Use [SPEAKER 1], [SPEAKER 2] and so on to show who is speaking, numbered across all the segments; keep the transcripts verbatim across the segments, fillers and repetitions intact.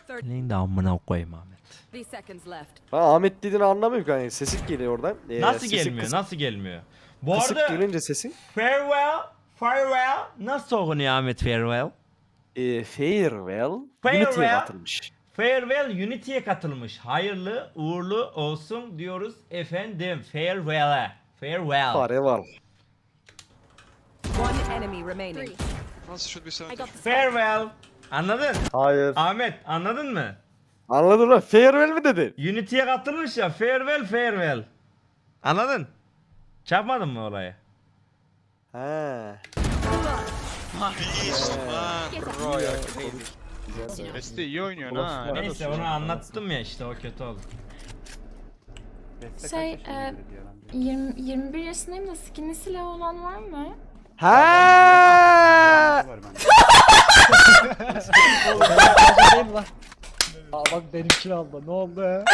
[SPEAKER 1] Neyin de amına koyayım Ahmet.
[SPEAKER 2] Ha, Ahmet dediğini anlamıyorum yani, sesi geliyor oradan. Ee,
[SPEAKER 1] Nasıl
[SPEAKER 2] sesi
[SPEAKER 1] gelmiyor?
[SPEAKER 2] kısık,
[SPEAKER 1] Nasıl gelmiyor? Bu
[SPEAKER 2] kısık
[SPEAKER 1] arada
[SPEAKER 2] gelince sesin.
[SPEAKER 1] farewell, farewell nasıl okunuyor Ahmet farewell?
[SPEAKER 2] E, farewell,
[SPEAKER 1] Farewell.
[SPEAKER 2] Unity'ye katılmış.
[SPEAKER 1] Farewell Unity'ye katılmış. Hayırlı uğurlu olsun diyoruz efendim. Farewell'e. Farewell.
[SPEAKER 2] Farewell.
[SPEAKER 3] One enemy remaining.
[SPEAKER 4] Nasıl should be
[SPEAKER 3] I
[SPEAKER 4] seventy?
[SPEAKER 3] got the
[SPEAKER 1] Farewell. Anladın?
[SPEAKER 2] Hayır.
[SPEAKER 1] Ahmet anladın mı?
[SPEAKER 2] Anladın mı? Farewell mi dedin?
[SPEAKER 1] Unity'ye katılmış ya. Farewell, farewell. Anladın? Çarpmadın mı orayı?
[SPEAKER 2] He.
[SPEAKER 4] Beste iyi oynuyorsun ha.
[SPEAKER 1] Neyse onu anlattım ya işte, o kötü oldu.
[SPEAKER 5] Şey, e, yirmi, yirmi bir yaşındayım da skinli silah olan var mı?
[SPEAKER 2] He.
[SPEAKER 6] Aa, bak benimkini aldı. Ne oldu ya?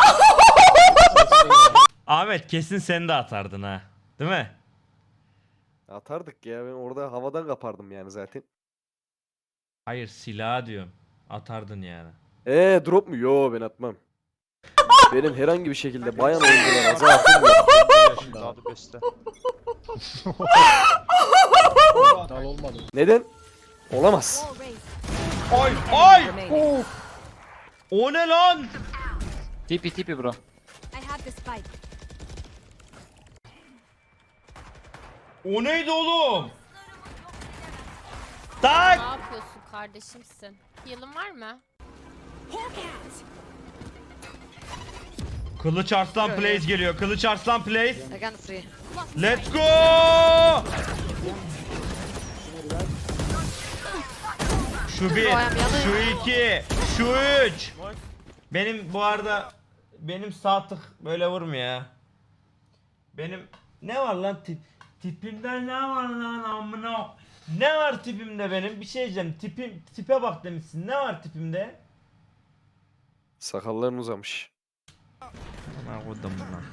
[SPEAKER 1] Ahmet kesin sen de atardın ha. Değil mi?
[SPEAKER 2] Atardık ya, ben orada havadan kapardım yani zaten.
[SPEAKER 1] Hayır, silah diyorum. Atardın yani.
[SPEAKER 2] Eee drop mu? Yo, ben atmam. Benim herhangi bir şekilde bayan oyunculara zaten yok.
[SPEAKER 4] Daha da beste.
[SPEAKER 6] Dal olmadı.
[SPEAKER 2] Neden? Olamaz.
[SPEAKER 1] Ay ay!
[SPEAKER 3] remaining.
[SPEAKER 1] O ne lan?
[SPEAKER 6] Tipi tipi bro.
[SPEAKER 3] I have the spike.
[SPEAKER 1] O neydi oğlum?
[SPEAKER 7] Ne
[SPEAKER 1] Tak!
[SPEAKER 7] yapıyorsun kardeşimsin? Yılın var mı?
[SPEAKER 1] Kılıç Arslan Plays geliyor. Kılıç Arslan Plays.
[SPEAKER 3] I got three.
[SPEAKER 1] Let's go! Şu bir, şu iki, şu üç. Benim bu arada benim sağ tık böyle vurmuyor ya. Benim ne var lan tip tipimde ne var lan amına? Ne var tipimde benim? Bir şey diyeceğim. Tipim tipe bak demişsin. Ne var tipimde?
[SPEAKER 2] Sakalların uzamış.
[SPEAKER 1] Ana kodum lan.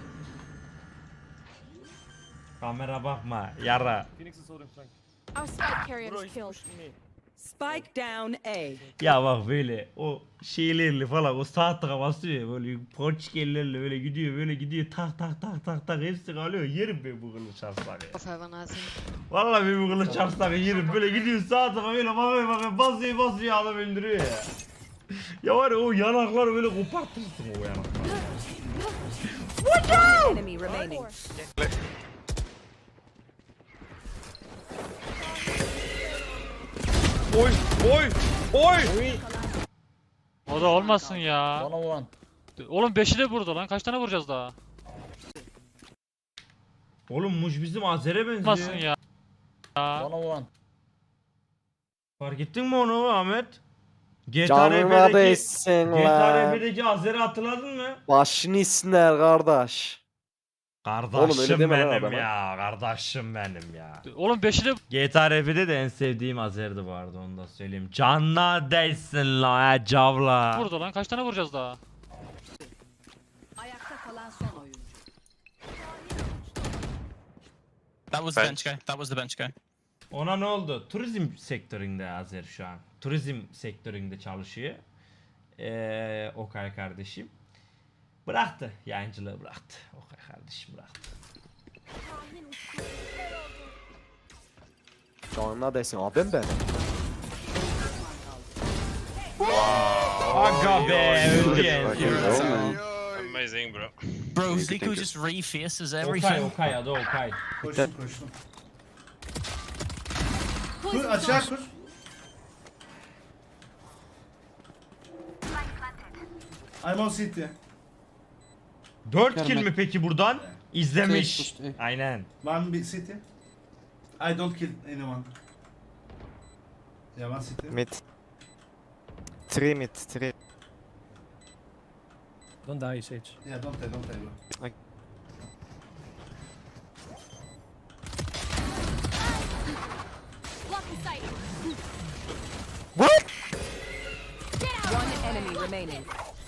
[SPEAKER 1] Kamera bakma yara.
[SPEAKER 7] Our spike carrier is killed.
[SPEAKER 3] Spike down A.
[SPEAKER 1] Ya bak böyle o şeylerle falan o sağ tıka basıyor ya, böyle ponçikellerle böyle gidiyor böyle gidiyor tak tak tak tak tak hepsi kalıyor, yerim ben bu kılıç arsağı. Vallahi ben bu kılıç arsağı yerim, böyle gidiyor sağ tıka böyle bakıyor bakıyor basıyor basıyor adam öldürüyor ya. Ya var ya o yanakları böyle kopartırsın o yanakları.
[SPEAKER 3] One enemy remaining.
[SPEAKER 1] Oy oy oy.
[SPEAKER 8] O da olmasın ya.
[SPEAKER 6] One on one.
[SPEAKER 8] Oğlum beşi de burada lan. Kaç tane vuracağız daha?
[SPEAKER 1] Oğlum Muj bizim Azer'e
[SPEAKER 8] Olmasın
[SPEAKER 1] benziyor.
[SPEAKER 8] ya.
[SPEAKER 6] One on one.
[SPEAKER 1] Fark ettin mi onu Ahmet? G T A
[SPEAKER 2] Canına
[SPEAKER 1] R P'deki
[SPEAKER 2] değsin
[SPEAKER 1] G T A R
[SPEAKER 2] lan.
[SPEAKER 1] P'deki Azer'i hatırladın mı?
[SPEAKER 2] Başını isinler kardeş.
[SPEAKER 1] Kardeşim
[SPEAKER 2] Oğlum öyle deme lan
[SPEAKER 1] benim
[SPEAKER 2] adama.
[SPEAKER 1] ya, kardeşim benim ya.
[SPEAKER 8] Oğlum beşi de
[SPEAKER 1] G T A R P'de de en sevdiğim Azer'di bu arada, onu da söyleyeyim. Canına değsin la ya cavla.
[SPEAKER 8] burada lan. Kaç tane vuracağız daha?
[SPEAKER 3] Ayakta kalan son oyuncu.
[SPEAKER 9] That was the bench guy. That was the bench guy.
[SPEAKER 1] Ona ne oldu? Turizm sektöründe Azer şu an. Turizm sektöründe çalışıyor. Ee, Okay kardeşim. Bıraktı. Yayıncılığı bıraktı. Okay kardeşim bıraktı.
[SPEAKER 2] Canına değsin abim ben.
[SPEAKER 1] Aga be öldü yani.
[SPEAKER 4] Amazing bro.
[SPEAKER 9] Bro, Zico just refaces
[SPEAKER 1] Okay
[SPEAKER 9] everything.
[SPEAKER 1] Okay adı Okay.
[SPEAKER 10] Koştum koştum. Kur aşağı kur. I'm on city.
[SPEAKER 1] dört kill mi peki buradan? İzlemiş. Aynen.
[SPEAKER 10] One big city. I don't kill anyone. Yeah, one city.
[SPEAKER 6] Mid. Three mid. Three.
[SPEAKER 11] Don't die, Sage.
[SPEAKER 10] Yeah, don't die, don't die bro.
[SPEAKER 3] One enemy remaining.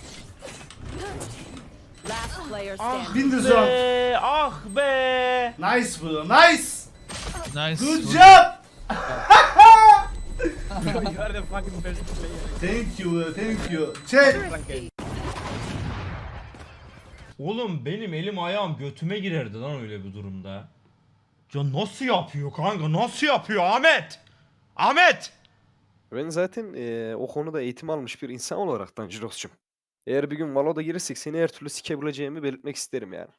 [SPEAKER 3] Last player
[SPEAKER 10] Ah,
[SPEAKER 3] standing.
[SPEAKER 10] win the zone.
[SPEAKER 1] Be, ah be.
[SPEAKER 10] Nice bro, nice.
[SPEAKER 9] Nice.
[SPEAKER 10] Good job. Thank you, thank you. Chat.
[SPEAKER 1] Oğlum benim elim ayağım götüme girerdi lan öyle bir durumda. Ya nasıl yapıyor kanka? Nasıl yapıyor Ahmet? Ahmet!
[SPEAKER 2] Ben zaten eee, o konuda eğitim almış bir insan olaraktan Jiros'cum. Eğer bir gün Valo'da girirsek seni her türlü sikebileceğimi belirtmek isterim yani.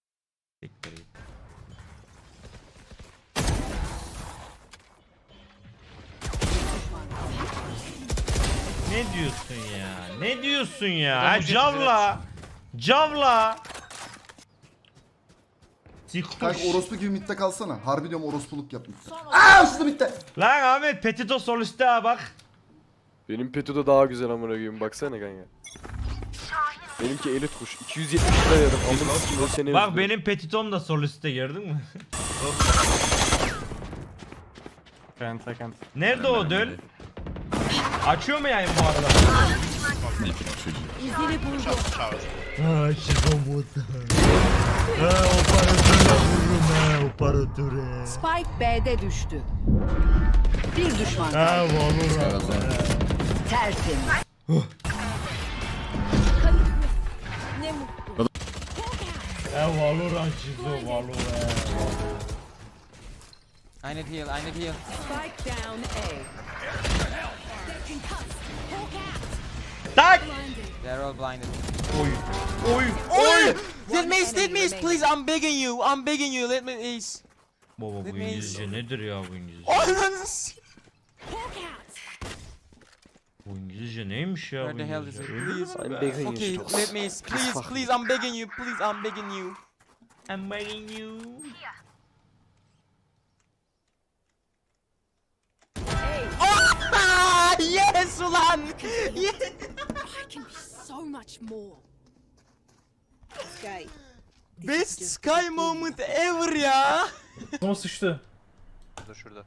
[SPEAKER 1] Ne diyorsun ya? Ne diyorsun ya?
[SPEAKER 8] Adam
[SPEAKER 1] Ha,
[SPEAKER 8] bu jet
[SPEAKER 1] Cavla! Cavla! Siktir.
[SPEAKER 10] Kanka orospu gibi midde kalsana. Harbi diyorum orospuluk yap midde. Aaa şurada midde.
[SPEAKER 1] Lan Ahmet Petito sol üstte ha bak.
[SPEAKER 2] Benim Petu da daha güzel amına koyayım baksana kanka. Benimki elit kuş. iki yüz yetmiş lira verdim. Amına sikeyim seni.
[SPEAKER 1] Bak benim Petitom da sol üstte gördün mü? Nerede o döl? Açıyor mu yani bu arada? Ha şikomut. Ha operatöre vururum ha operatöre.
[SPEAKER 3] Spike B'de düştü. Bir düşman
[SPEAKER 1] Ha
[SPEAKER 3] kaldı.
[SPEAKER 1] Valorant.
[SPEAKER 3] Tertemiz.
[SPEAKER 1] Ha Valorant şizo Valorant.
[SPEAKER 6] I need heal, I need heal.
[SPEAKER 3] Spike down A.
[SPEAKER 1] Tak!
[SPEAKER 6] They're all blinded.
[SPEAKER 1] Oy. Oy. Oy.
[SPEAKER 3] Let me, let me, please,
[SPEAKER 6] I'm begging you, I'm begging you, let me ace.
[SPEAKER 1] Baba bu İngilizce nedir ya bu İngilizce? Bu İngilizce neymiş ya bu
[SPEAKER 6] Where the hell is
[SPEAKER 1] İngilizce?
[SPEAKER 6] it? Please.
[SPEAKER 2] I'm begging you,
[SPEAKER 6] Okay,
[SPEAKER 2] Jiros.
[SPEAKER 6] let me ace. Please, please, I'm begging you, please, I'm begging you.
[SPEAKER 1] I'm begging you.
[SPEAKER 6] Ah, yes ulan! Yes!
[SPEAKER 7] I can be so much more.
[SPEAKER 3] Sky.
[SPEAKER 6] Best Sky moment ever ya!
[SPEAKER 4] Şurada şurada.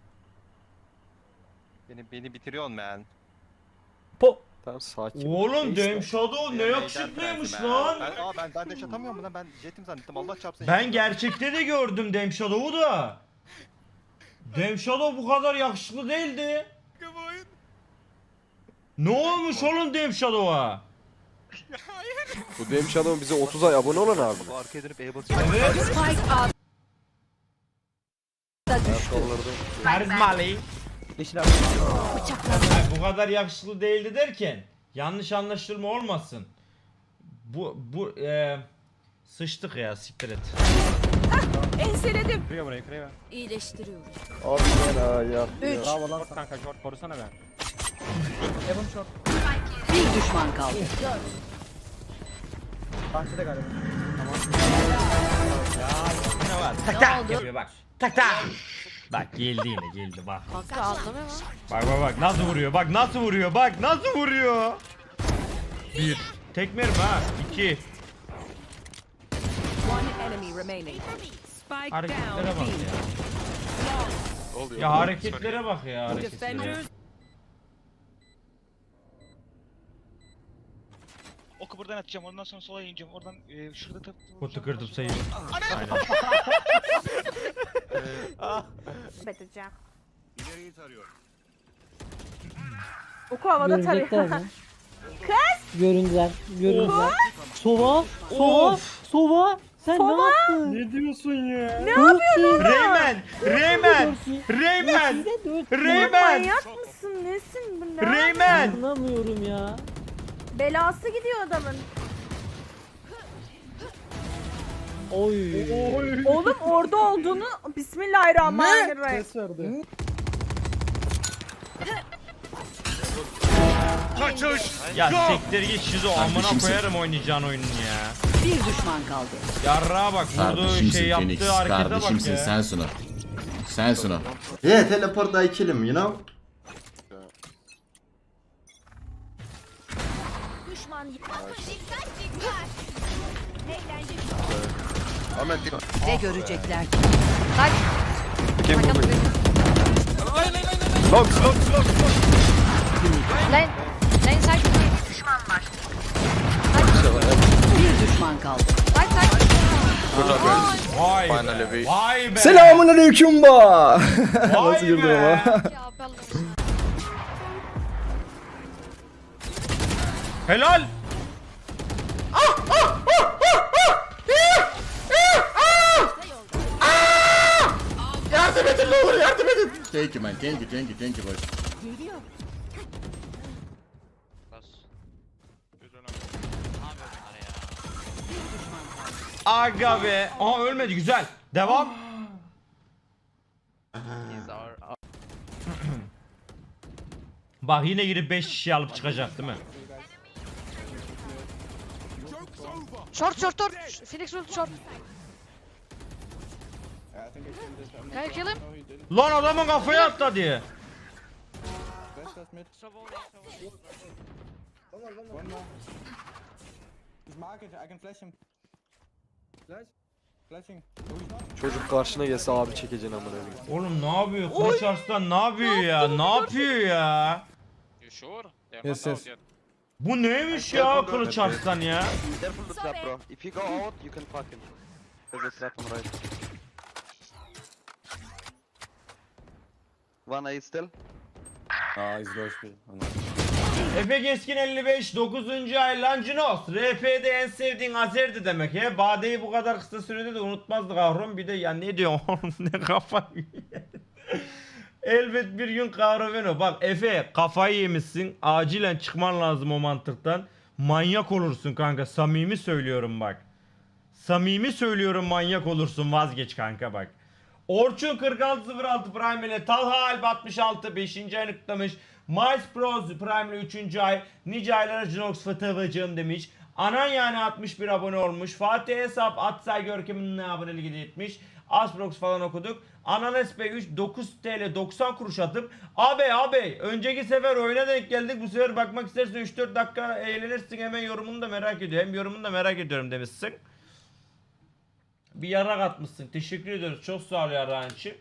[SPEAKER 4] Beni beni bitiriyorsun man.
[SPEAKER 2] Tamam sakin.
[SPEAKER 1] Oğlum
[SPEAKER 2] Neyse.
[SPEAKER 1] Dame Shadow ne yakışıklıymış lan.
[SPEAKER 4] Ben, aa, ben, ben de çatamıyorum lan, ben jetim zannettim, Allah çarpsın.
[SPEAKER 1] Ben gerçekte de gördüm Dame Shadow'u da. Dame Shadow bu kadar yakışıklı değildi. Ne olmuş oğlum Dame Shadow'a?
[SPEAKER 2] Bu benim Shadow'un bize otuz ay abone olan abi.
[SPEAKER 4] Bu arkaya dönüp E basıyor.
[SPEAKER 1] Evet.
[SPEAKER 3] Spike A'da düştü.
[SPEAKER 1] Karizmalı.
[SPEAKER 3] Bıçaklar.
[SPEAKER 1] Hayır, bu kadar yakışıklı değildi derken yanlış anlaşılma olmasın. Bu bu eee sıçtık ya siktir et.
[SPEAKER 7] Enseledim.
[SPEAKER 6] Kırıyor burayı, kırıyor.
[SPEAKER 7] İyileştiriyorum.
[SPEAKER 2] Abi ben ha ya.
[SPEAKER 3] Üç.
[SPEAKER 6] Bravo lan kanka, short korusana be.
[SPEAKER 3] Bir düşman kaldı.
[SPEAKER 6] Bahçede galiba.
[SPEAKER 1] Tak tak yapıyor bak. Tak tak. Bak geldi yine geldi bak.
[SPEAKER 7] Kanka anlamıyor musun?
[SPEAKER 1] Bak bak bak nasıl vuruyor bak nasıl vuruyor bak nasıl vuruyor. Bir. Tekme mi ha? İki.
[SPEAKER 3] One enemy remaining. Spike
[SPEAKER 1] Hareketlere
[SPEAKER 3] down
[SPEAKER 1] bak
[SPEAKER 3] B.
[SPEAKER 1] ya. Ya hareketlere bak ya hareketlere.
[SPEAKER 3] Defenders
[SPEAKER 4] Oku buradan atacağım, ondan sonra sola ineceğim. Oradan e, şurada tap.
[SPEAKER 1] Kutu kırdım sayı. Aynen.
[SPEAKER 7] Beteceğim.
[SPEAKER 4] İleriyi tarıyorum.
[SPEAKER 7] Oku havada tarıyor.
[SPEAKER 6] Göründüler, göründüler. Sova, Sova, Sova. Sen ne yaptın? Ne diyorsun ya? Ne yapıyorsun?
[SPEAKER 1] Reymen! Reymen! Reymen! Reymen!
[SPEAKER 7] mısın? Nesin bu ne?
[SPEAKER 1] Reymen!
[SPEAKER 6] Anlamıyorum ya.
[SPEAKER 7] Belası gidiyor adamın.
[SPEAKER 6] Oy.
[SPEAKER 7] Oğlum orada olduğunu Bismillahirrahmanirrahim.
[SPEAKER 6] Ses verdi.
[SPEAKER 1] Ya siktir git şizo amına koyarım oynayacağın oyunun ya.
[SPEAKER 3] bir düşman kaldı.
[SPEAKER 1] Yarrağa bak vurduğu şey yaptığı harekete bak ya.
[SPEAKER 9] Sensin o. Sensin o.
[SPEAKER 10] Yeah, teleport I kill him, you know?
[SPEAKER 7] Düşman dikkat dikkat. Eğlence.
[SPEAKER 4] Ahmet
[SPEAKER 3] Ne görecekler ki?
[SPEAKER 2] Long long long.
[SPEAKER 7] Lan lan sen
[SPEAKER 3] Bir düşman kaldı.
[SPEAKER 1] Vay be. Vay be.
[SPEAKER 10] Selamun aleyküm ba.
[SPEAKER 1] Vay
[SPEAKER 10] Nasıl girdi
[SPEAKER 1] be.
[SPEAKER 10] ama?
[SPEAKER 7] ya ben
[SPEAKER 1] Helal. Ah, ah, ah, ah, ah. İh, ih, ah. Ah. Yardım edin ne olur yardım edin.
[SPEAKER 9] Thank you man. Thank you, thank you, thank you boys.
[SPEAKER 1] Aga be. Aha ölmedi güzel. Devam. Bak yine girip beş kişi alıp çıkacak değil mi?
[SPEAKER 7] Short short short. Phoenix ult short. Can you kill him?
[SPEAKER 1] Lan adamın kafaya atla diye.
[SPEAKER 2] Çocuk karşına gelse abi çekeceksin amına koyayım.
[SPEAKER 1] Oğlum ne yapıyor? Kılıç Arslan ne yapıyor ya? Ne yapıyor ya?
[SPEAKER 6] Yes yes.
[SPEAKER 1] Bu neymiş ya Kılıç Arslan ya?
[SPEAKER 7] Careful the trap, bro.
[SPEAKER 11] If you go out, you can fuck him. There's a trap on right. One A still.
[SPEAKER 6] Aa izliyor bir.
[SPEAKER 1] Efe Keskin elli beş dokuzuncu ay Lancinos. R P'de en sevdiğin Azer'di demek ya. Bade'yi bu kadar kısa sürede de unutmazdık Ahrum. Bir de ya ne diyorsun oğlum ne kafayı elbet bir gün Kahraman. Bak Efe kafayı yemişsin. Acilen çıkman lazım o mantıktan. Manyak olursun kanka. Samimi söylüyorum bak. Samimi söylüyorum manyak olursun. Vazgeç kanka bak. Orçun kırk altı sıfır altı Prime ile Talha Alp altmış altı beşinci ayını kutlamış. Miles Bros Prime ile üçüncü ay. Nice aylara Jinox Fıtıvıcığım demiş. Anan yani altmış bir abone olmuş. Fatih Hesap Atsay Görkem'in aboneliği etmiş. Asprox falan okuduk. Ananas Bey üç dokuz TL doksan kuruş atıp abi abi önceki sefer oyuna denk geldik bu sefer bakmak istersen üç dört dakika eğlenirsin hemen yorumunu da merak ediyorum. Hem yorumunu da merak ediyorum demişsin. Bir yarak atmışsın. Teşekkür ediyoruz. Çok sağ ol yarağın için.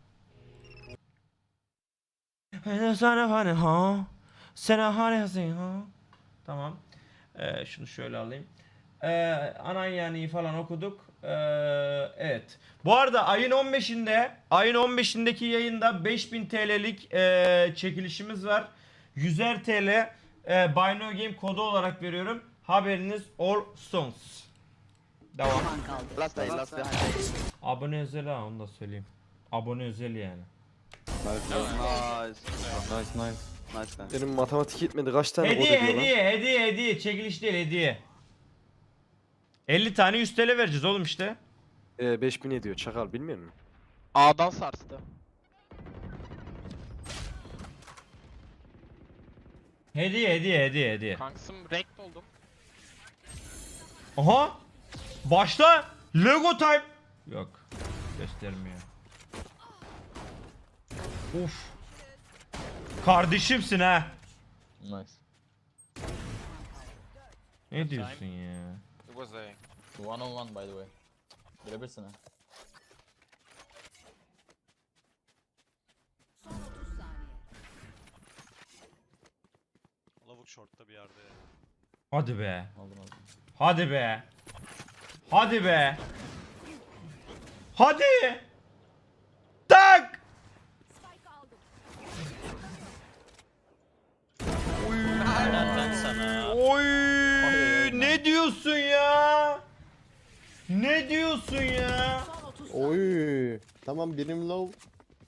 [SPEAKER 1] Sana hani ha. Sana hani ha. Tamam. Ee, şunu şöyle alayım. Ee, anan yani falan okuduk. Ee, evet. Bu arada ayın on beşinde ayın on beşindeki yayında beş bin TL'lik e, çekilişimiz var. yüzer TL e, Buy No Game kodu olarak veriyorum. Haberiniz olsun. Devam.
[SPEAKER 11] Last day, last day.
[SPEAKER 1] Abone özel ha onu da söyleyeyim. Abone özel yani.
[SPEAKER 11] Nice.
[SPEAKER 6] Nice nice.
[SPEAKER 11] Nice man.
[SPEAKER 2] Benim matematik yetmedi kaç tane kod
[SPEAKER 1] Hediye
[SPEAKER 2] ediyor lan?
[SPEAKER 1] hediye hediye hediye çekiliş değil hediye. elli tane yüz TL vereceğiz oğlum işte.
[SPEAKER 2] Ee, beş bin ediyor çakal bilmiyor musun?
[SPEAKER 8] A'dan sarstı.
[SPEAKER 1] Hediye hediye hediye hediye.
[SPEAKER 8] Kanksım rekt oldum.
[SPEAKER 1] Aha! Başla! Lego time! Yok. Göstermiyor. Uf. Kardeşimsin ha.
[SPEAKER 6] Nice.
[SPEAKER 1] Ne diyorsun ya?
[SPEAKER 6] One on one by the way. Bilebilirsin ha.
[SPEAKER 10] Lavuk short'ta bir yerde.
[SPEAKER 1] Hadi be.
[SPEAKER 6] Aldım aldım.
[SPEAKER 1] Hadi be. Hadi be. Hadi. Tak. Oy. Ne diyorsun ya? Ne diyorsun ya?
[SPEAKER 6] Oy. Tamam birim low.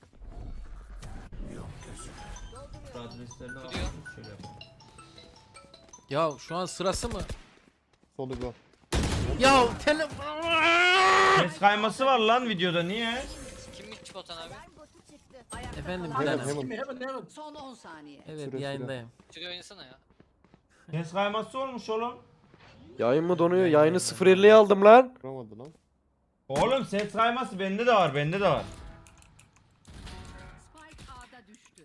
[SPEAKER 8] Ya şu an sırası mı?
[SPEAKER 6] Solu go.
[SPEAKER 8] Ya telefon.
[SPEAKER 1] Ses kayması var lan videoda niye?
[SPEAKER 8] Kimlik botan abi? Efendim
[SPEAKER 6] Hemen hemen.
[SPEAKER 3] Son on saniye.
[SPEAKER 8] Evet
[SPEAKER 6] Süre, süre.
[SPEAKER 8] yayındayım. Şuraya oynasana ya.
[SPEAKER 1] Ses kayması olmuş oğlum.
[SPEAKER 2] Yayın mı donuyor? Yayını sıfır elliye aldım lan.
[SPEAKER 6] Vuramadı lan.
[SPEAKER 1] Oğlum ses kayması bende de var bende de var.
[SPEAKER 3] Spike A'da düştü.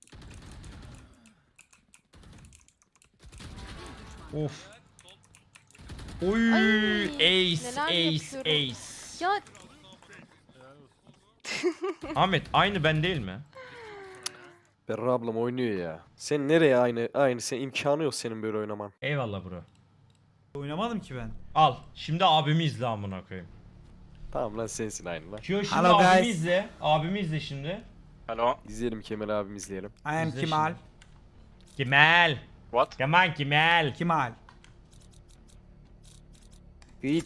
[SPEAKER 1] Of. Oy
[SPEAKER 7] Ay,
[SPEAKER 1] ace
[SPEAKER 7] neler
[SPEAKER 1] ace
[SPEAKER 7] yapıyorum.
[SPEAKER 1] ace.
[SPEAKER 7] Ya
[SPEAKER 1] Ahmet aynı ben değil mi?
[SPEAKER 2] Berra ablam oynuyor ya. Sen nereye aynı aynı sen imkanı yok senin böyle oynaman.
[SPEAKER 1] Eyvallah bro.
[SPEAKER 10] Oynamadım ki ben.
[SPEAKER 1] Al şimdi abimi izle amına koyayım.
[SPEAKER 2] Tamam lan sensin aynı lan.
[SPEAKER 1] Kyo şimdi
[SPEAKER 10] Hello,
[SPEAKER 1] abimi
[SPEAKER 10] guys.
[SPEAKER 1] izle. Abimi izle şimdi.
[SPEAKER 11] Hello.
[SPEAKER 2] İzleyelim Kemal abim izleyelim.
[SPEAKER 10] I am
[SPEAKER 1] İzle
[SPEAKER 10] Kemal.
[SPEAKER 1] şimdi. Kemal.
[SPEAKER 11] What?
[SPEAKER 1] Kemal Kemal.
[SPEAKER 6] Kemal.
[SPEAKER 2] Git.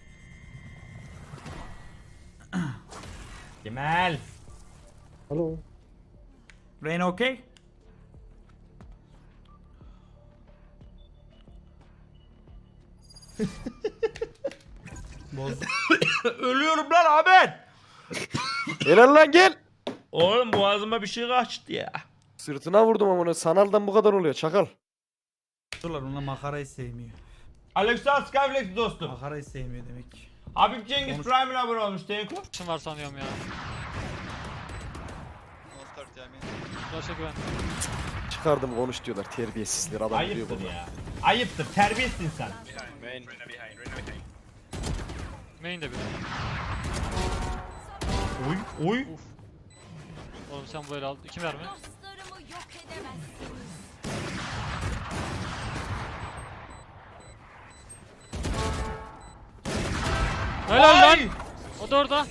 [SPEAKER 1] Kemal.
[SPEAKER 2] Alo.
[SPEAKER 6] Reyna okey? Boz.
[SPEAKER 1] Ölüyorum lan Ahmet.
[SPEAKER 2] Helal lan gel.
[SPEAKER 1] Oğlum boğazıma bir şey kaçtı ya.
[SPEAKER 2] Sırtına vurdum ama onu. Sanaldan bu kadar oluyor çakal.
[SPEAKER 6] Durlar ona makarayı sevmiyor.
[SPEAKER 1] Alexa Skyflex dostum.
[SPEAKER 6] Makarayı sevmiyor demek.
[SPEAKER 1] Habib Cengiz
[SPEAKER 6] Konuş-
[SPEAKER 1] Prime'le abone olmuş Tenko.
[SPEAKER 8] Kim var sanıyorum ya. Başa güven.
[SPEAKER 2] Çıkardım konuş diyorlar terbiyesizler adam diyor
[SPEAKER 1] Ayıptır
[SPEAKER 2] bunu.
[SPEAKER 1] ya. Ayıptır. Terbiyesizsin sen.
[SPEAKER 8] Main de bir.
[SPEAKER 1] Oy oy.
[SPEAKER 8] Oğlum sen böyle al. İki mermi. Helal lan.
[SPEAKER 1] Ay!
[SPEAKER 8] O da orada.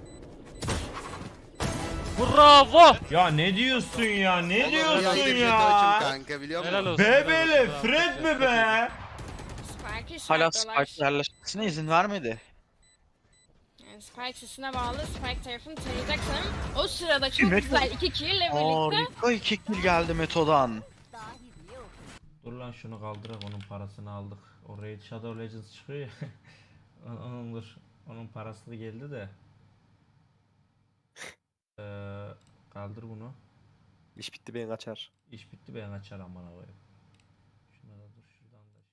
[SPEAKER 8] Bravo.
[SPEAKER 1] Ya ne diyorsun ya? Ne diyorsun
[SPEAKER 11] Açım
[SPEAKER 1] ya?
[SPEAKER 11] kanka biliyor musun?
[SPEAKER 8] Helal olsun.
[SPEAKER 1] Bebele
[SPEAKER 8] helal olsun.
[SPEAKER 1] Fred mi be?
[SPEAKER 4] Hala Spike'ın yerleşmesine izin vermedi.
[SPEAKER 5] Yani Spike üstüne bağlı. Spike tarafını tarayacaksın. O sırada çok güzel iki kill ile birlikte.
[SPEAKER 4] Harika iki kill geldi Meto'dan.
[SPEAKER 1] Dur lan şunu kaldırak onun parasını aldık. O Raid Shadow Legends çıkıyor ya. onun dur. Onun parası da geldi de. Ee, kaldır bunu.
[SPEAKER 2] İş bitti ben kaçar.
[SPEAKER 1] İş bitti ben açar amına koyayım. Şuna da dur şuradan da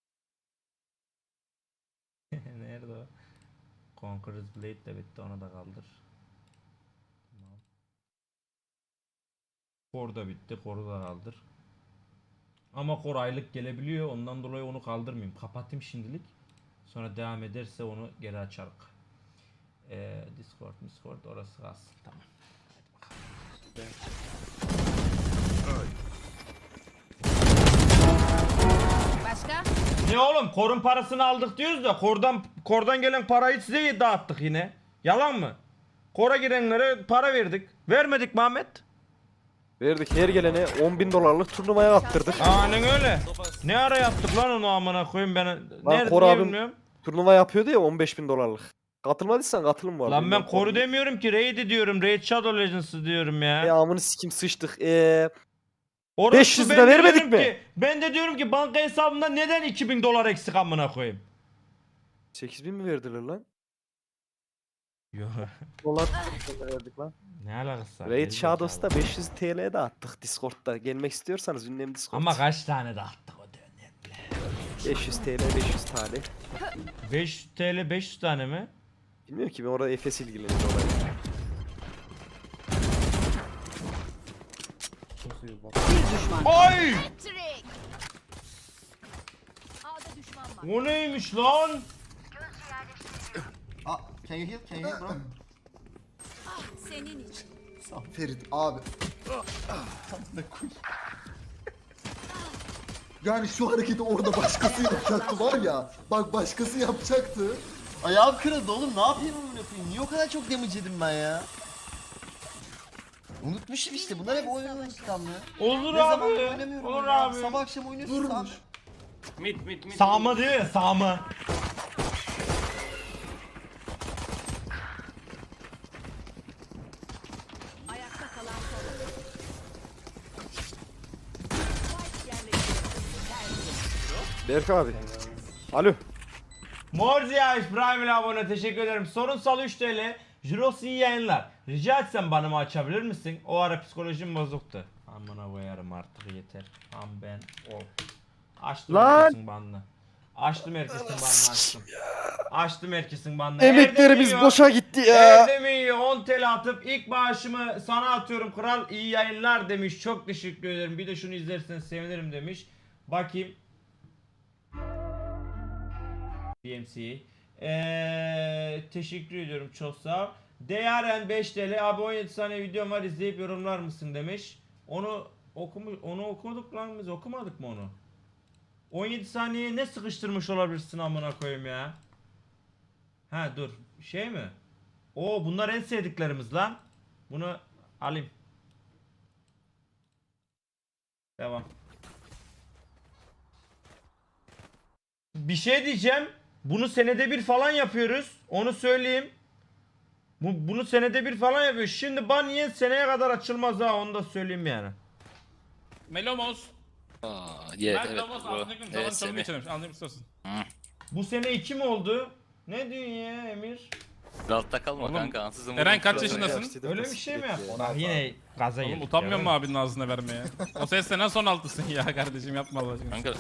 [SPEAKER 1] şey. Nerede o? Conqueror's Blade de bitti onu da kaldır. Tamam. Core da bitti, Core'u da kaldır. Ama Core aylık gelebiliyor ondan dolayı onu kaldırmayayım. Kapatayım şimdilik. Sonra devam ederse onu geri açarım. Ee, Discord, Discord orası kalsın. Tamam. Hadi bakalım.
[SPEAKER 7] Başka?
[SPEAKER 1] Ne oğlum korun parasını aldık diyoruz da kordan kordan gelen parayı size dağıttık yine. Yalan mı? Kora girenlere para verdik. Vermedik mi Ahmet?
[SPEAKER 2] Verdik her gelene on bin dolarlık turnuvaya attırdık.
[SPEAKER 1] Aynen öyle. Ne ara yaptık lan onu amına koyayım ben. Nerede
[SPEAKER 2] Kor
[SPEAKER 1] diye
[SPEAKER 2] abim-
[SPEAKER 1] bilmiyorum.
[SPEAKER 2] Turnuva yapıyordu ya on beş bin dolarlık. Katılmadıysan katılım var.
[SPEAKER 1] Lan ben
[SPEAKER 2] Bilmem
[SPEAKER 1] koru
[SPEAKER 2] koru-
[SPEAKER 1] demiyorum ki Raid diyorum. Raid Shadow Legends'ı diyorum ya.
[SPEAKER 2] E amını sikim sıçtık. Eee
[SPEAKER 1] Orası
[SPEAKER 2] beş yüz
[SPEAKER 1] ben
[SPEAKER 2] lira
[SPEAKER 1] de
[SPEAKER 2] vermedik
[SPEAKER 1] diyorum
[SPEAKER 2] mi?
[SPEAKER 1] ki- ben de diyorum ki banka hesabımda neden iki bin dolar eksik amına koyayım?
[SPEAKER 2] sekiz bin mi verdiler lan?
[SPEAKER 1] Yok.
[SPEAKER 2] Dolar verdik lan.
[SPEAKER 1] Ne alakası var?
[SPEAKER 2] Raid
[SPEAKER 1] Geri
[SPEAKER 2] Shadows'ta
[SPEAKER 1] zekalı.
[SPEAKER 2] beş yüz T L'ye de attık Discord'da. Gelmek istiyorsanız ünlem Discord.
[SPEAKER 1] Ama kaç tane dağıttık o dönemde?
[SPEAKER 2] beş yüz T L beş yüz tane.
[SPEAKER 1] beş yüz TL beş yüz tane mi?
[SPEAKER 2] Bilmiyorum ki ben orada Efes ilgileniyor olayla.
[SPEAKER 3] Bir düşman.
[SPEAKER 1] Ay!
[SPEAKER 7] A'da düşman var.
[SPEAKER 1] O neymiş lan?
[SPEAKER 10] Ah, can you heal? Can you heal bro?
[SPEAKER 7] Senin için.
[SPEAKER 10] Ferit abi. Yani şu hareketi orada başkası yapacaktı var ya. Bak başkası yapacaktı. Ayağım kırıldı oğlum ne yapayım onu yapayım? Niye o kadar çok damage yedim ben ya? Unutmuşum işte bunlar hep oyun unutkanlığı.
[SPEAKER 1] Olur
[SPEAKER 10] Ne zaman
[SPEAKER 1] abi.
[SPEAKER 10] oynamıyorum
[SPEAKER 1] Olur
[SPEAKER 10] ya.
[SPEAKER 1] abi.
[SPEAKER 10] Sabah akşam oynuyorsun. Durmuş.
[SPEAKER 1] Sağma diyor ya sağma.
[SPEAKER 3] Ayakta kalan son.
[SPEAKER 2] Berk abi. Alo.
[SPEAKER 1] Morzia İbrahim ile abone teşekkür ederim. Sorunsal üç TL. Jiros iyi yayınlar. Rica etsem bana mı açabilir misin? O ara psikolojim bozuktu. Amına koyarım artık yeter. Am ben o. Açtım
[SPEAKER 2] Lan!
[SPEAKER 1] herkesin banını. Açtım herkesin banını açtım. Açtım herkesin banını.
[SPEAKER 2] Emeklerimiz
[SPEAKER 1] Evde mi
[SPEAKER 2] boşa gitti ya.
[SPEAKER 1] Evde mi yiyor? on T L atıp ilk bağışımı sana atıyorum kral iyi yayınlar demiş. Çok teşekkür ederim. Bir de şunu izlerseniz sevinirim demiş. Bakayım. D M C. Eee teşekkür ediyorum çok sağ ol. Değeren beş T L abi on yedi saniye videom var izleyip yorumlar mısın demiş. Onu okumuş onu okuduk lan biz okumadık mı onu? on yedi saniyeye ne sıkıştırmış olabilirsin amına koyayım ya? Ha dur şey mi? Oo bunlar en sevdiklerimiz lan. Bunu alayım. Devam. bir şey diyeceğim. Bunu senede bir falan yapıyoruz. Onu söyleyeyim. Bu, bunu senede bir falan yapıyoruz. Şimdi ban yiyen seneye kadar açılmaz ha, onu da söyleyeyim yani.
[SPEAKER 6] Melomos.
[SPEAKER 11] Aa, yeah,
[SPEAKER 6] Ben
[SPEAKER 11] evet
[SPEAKER 6] Melomos
[SPEAKER 11] bro.
[SPEAKER 6] anladım. Zaman
[SPEAKER 11] Evet,
[SPEAKER 6] çalım
[SPEAKER 11] Semih.
[SPEAKER 6] geçirmiş. Anladım istiyorsun.
[SPEAKER 1] Bu sene iki mi oldu? Ne diyorsun ya Emir?
[SPEAKER 11] Altta kalma
[SPEAKER 6] Oğlum,
[SPEAKER 11] kanka. Ansızın
[SPEAKER 6] Eren
[SPEAKER 11] vurdum.
[SPEAKER 6] kaç yaşındasın?
[SPEAKER 1] Öyle bir şey mi yaptın? Bak yine gaza
[SPEAKER 6] Oğlum
[SPEAKER 1] geldik
[SPEAKER 6] utanmıyor
[SPEAKER 1] ya.
[SPEAKER 6] mu abinin ağzına vermeye? O ses senden son altısın ya kardeşim, yapma Allah aşkına.
[SPEAKER 11] Kanka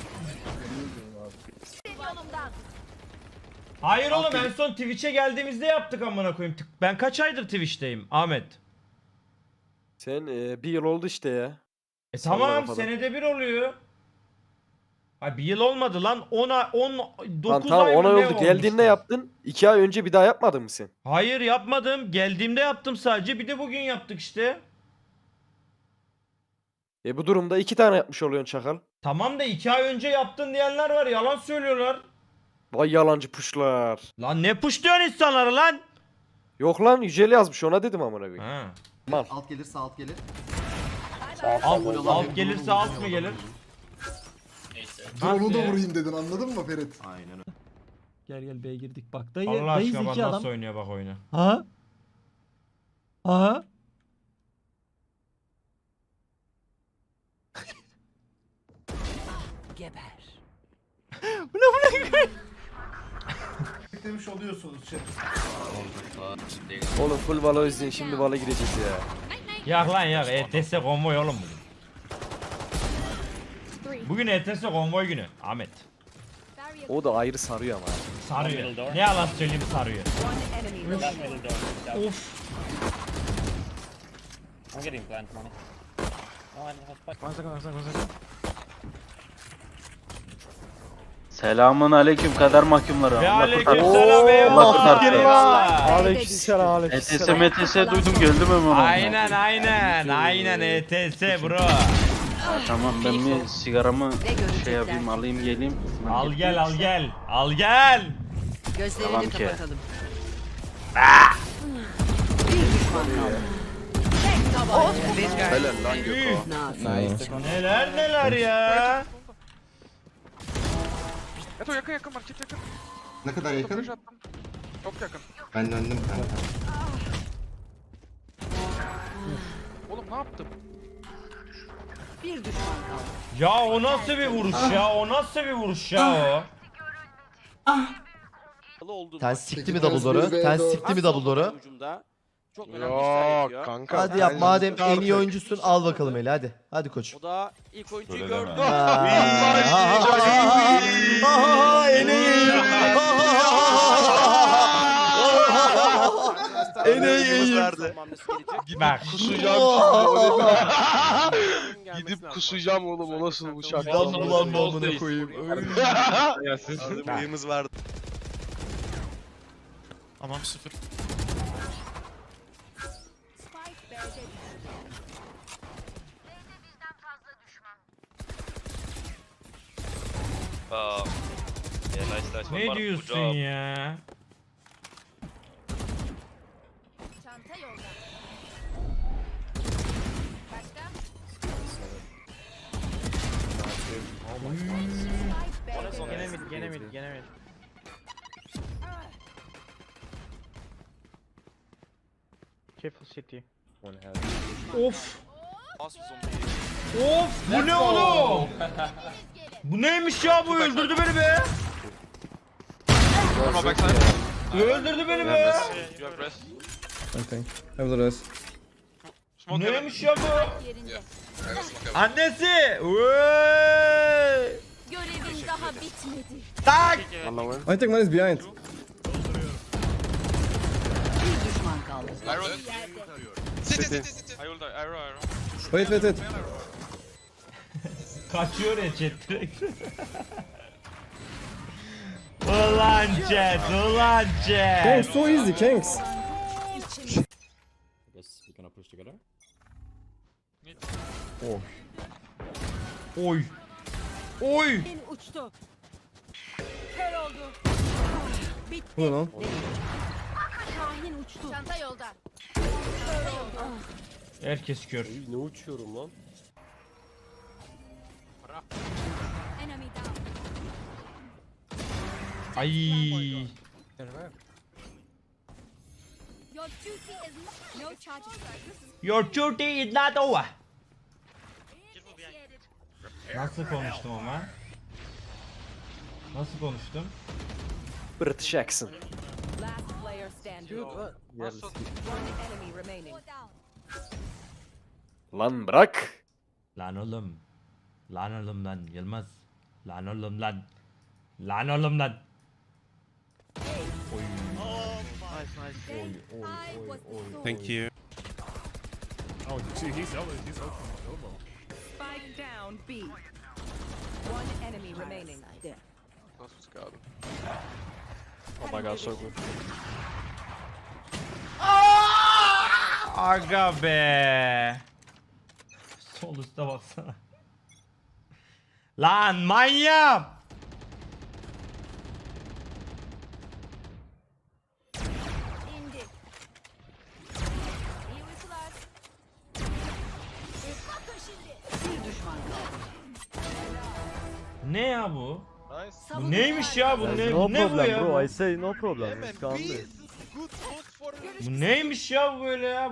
[SPEAKER 1] Hayır oğlum, en son Twitch'e geldiğimizde yaptık amına koyayım. Tık- Ben kaç aydır Twitch'teyim Ahmet?
[SPEAKER 2] Sen e, bir yıl oldu işte ya.
[SPEAKER 1] E
[SPEAKER 2] Sallama
[SPEAKER 1] tamam,
[SPEAKER 2] falan.
[SPEAKER 1] senede bir oluyor. Ay bir yıl olmadı lan. on ay, on dokuz
[SPEAKER 2] Lan tamam
[SPEAKER 1] ay mı
[SPEAKER 2] ona
[SPEAKER 1] ne
[SPEAKER 2] oldu.
[SPEAKER 1] olmuş
[SPEAKER 2] Geldiğinde
[SPEAKER 1] lan?
[SPEAKER 2] yaptın. iki ay önce bir daha yapmadın mı sen?
[SPEAKER 1] Hayır yapmadım. Geldiğimde yaptım sadece. Bir de bugün yaptık işte.
[SPEAKER 2] E bu durumda iki tane yapmış oluyorsun çakal.
[SPEAKER 1] Tamam da iki ay önce yaptın diyenler var. Yalan söylüyorlar.
[SPEAKER 2] Vay yalancı puşlar.
[SPEAKER 1] Lan ne puşluyorsun insanları lan?
[SPEAKER 2] Yok lan Yücel yazmış, ona dedim amına koyayım.
[SPEAKER 1] Ha.
[SPEAKER 10] Alt gelirse alt gelir.
[SPEAKER 1] Alt, alt gelirse alt mı gelir?
[SPEAKER 10] Dur onu da
[SPEAKER 1] Nasıl ya?
[SPEAKER 10] vurayım dedin, anladın mı Ferit?
[SPEAKER 6] Gel gel B'ye girdik bak. Dayı,
[SPEAKER 1] Allah
[SPEAKER 6] dayı
[SPEAKER 1] aşkına bak
[SPEAKER 6] zeki
[SPEAKER 1] nasıl
[SPEAKER 6] adam.
[SPEAKER 1] oynuyor bak oyunu.
[SPEAKER 6] Aha. Aha.
[SPEAKER 3] Geber.
[SPEAKER 10] Demiş oluyorsunuz şey.
[SPEAKER 2] Oğlum full Valo izleyin, şimdi Valo gireceğiz ya.
[SPEAKER 1] Yak lan yak. E T S konvoy oğlum bugün. Bugün E T S konvoy günü. Ahmet.
[SPEAKER 2] O da ayrı sarıyor ama.
[SPEAKER 1] Sarıyor. Ne yalan söyleyeyim, sarıyor.
[SPEAKER 3] One enemy remaining.
[SPEAKER 1] Of.
[SPEAKER 11] Selamun aleyküm kader mahkumları.
[SPEAKER 1] Ve
[SPEAKER 11] Allah
[SPEAKER 1] aleykümselam
[SPEAKER 11] kurtarsın.
[SPEAKER 1] eyvallah.
[SPEAKER 11] Allah kurtarsın.
[SPEAKER 1] Eyvallah.
[SPEAKER 2] Aleykümselam
[SPEAKER 11] E T S M T S duydum geldim hemen.
[SPEAKER 1] Aynen aynen. Aynen E T S bro.
[SPEAKER 11] Tamam ben bir sigaramı
[SPEAKER 3] Ne görecekler?
[SPEAKER 11] şey yapayım alayım geleyim.
[SPEAKER 1] Al gel al gel. Al gel.
[SPEAKER 3] Gözlerini
[SPEAKER 11] Tamam ki.
[SPEAKER 3] kapatalım. Bir düşman kaldı. Tek tabanca.
[SPEAKER 11] Helal lan
[SPEAKER 1] Üh, neler neler ya.
[SPEAKER 4] Eto yakın yakın market yakın.
[SPEAKER 10] Ne kadar yakın?
[SPEAKER 4] Flash attım. Çok yakın.
[SPEAKER 10] Ben döndüm kanka.
[SPEAKER 4] Oğlum ne yaptım?
[SPEAKER 3] Bir düşman kaldı.
[SPEAKER 1] Ya o nasıl bir vuruş ya? O nasıl bir vuruş ya o?
[SPEAKER 12] Sen sikti mi double door'u? Sen sikti mi double door'u?
[SPEAKER 11] Yok kanka.
[SPEAKER 12] Hadi yap, madem en iyi oyuncusun al bakalım eli, hadi. Hadi koç.
[SPEAKER 11] O da ilk oyuncuyu gördü.
[SPEAKER 12] Aha, en iyi. En iyi.
[SPEAKER 1] Bak.
[SPEAKER 11] Gidip kusacağım oğlum o nasıl uçak.
[SPEAKER 12] Lan ulan amına koyayım.
[SPEAKER 11] Ya sizin bıyığımız vardı.
[SPEAKER 8] Tamam sıfır.
[SPEAKER 1] Ne diyorsun ya?
[SPEAKER 5] Çanta yolda. Başka?
[SPEAKER 6] Gene mid, gene mid, gene mid. Careful city.
[SPEAKER 1] Of. Of bu ne oğlum? Bu neymiş ya, bu öldürdü beni be. Öldürdü beni be. Bu neymiş ya bu?
[SPEAKER 5] Yerinde.
[SPEAKER 1] Annesi. Vay.
[SPEAKER 5] Görevin daha bitmedi.
[SPEAKER 1] Tak.
[SPEAKER 2] I think mine is behind.
[SPEAKER 3] Bir düşman kaldı.
[SPEAKER 2] Wait wait wait.
[SPEAKER 1] Kaçıyor ya chat direkt. Ulan chat, ulan chat.
[SPEAKER 2] So easy Kanks.
[SPEAKER 1] Oy. Oy.
[SPEAKER 3] Uçtu. Kör oldu. Bitti.
[SPEAKER 2] Bu lan.
[SPEAKER 3] Şahin uçtu.
[SPEAKER 5] Çanta yolda.
[SPEAKER 1] Herkes kör.
[SPEAKER 2] Ne uçuyorum lan?
[SPEAKER 5] Enemy down.
[SPEAKER 1] Ay. Your duty is not over. Nasıl konuştum ama? Nasıl konuştum?
[SPEAKER 2] British accent.
[SPEAKER 3] Last player standing. One enemy remaining.
[SPEAKER 2] Lan bırak.
[SPEAKER 1] Lan oğlum. Lan oğlum lan Yılmaz. Lan oğlum lan. Lan oğlum lan. Oy. Oy oy oy oy.
[SPEAKER 11] Thank you.
[SPEAKER 6] Oh, he's he's he's
[SPEAKER 3] Spike down B. One enemy remaining.
[SPEAKER 11] Oh my god, so good.
[SPEAKER 1] Aga be. Sol üstte baksana. Lan manyak.
[SPEAKER 3] Bir düşman kaldı.
[SPEAKER 1] Ne ya bu? Bu neymiş ya bu ne, bu ne bu ya? Bu?
[SPEAKER 6] say no problem.
[SPEAKER 1] Bu neymiş ya bu böyle ya?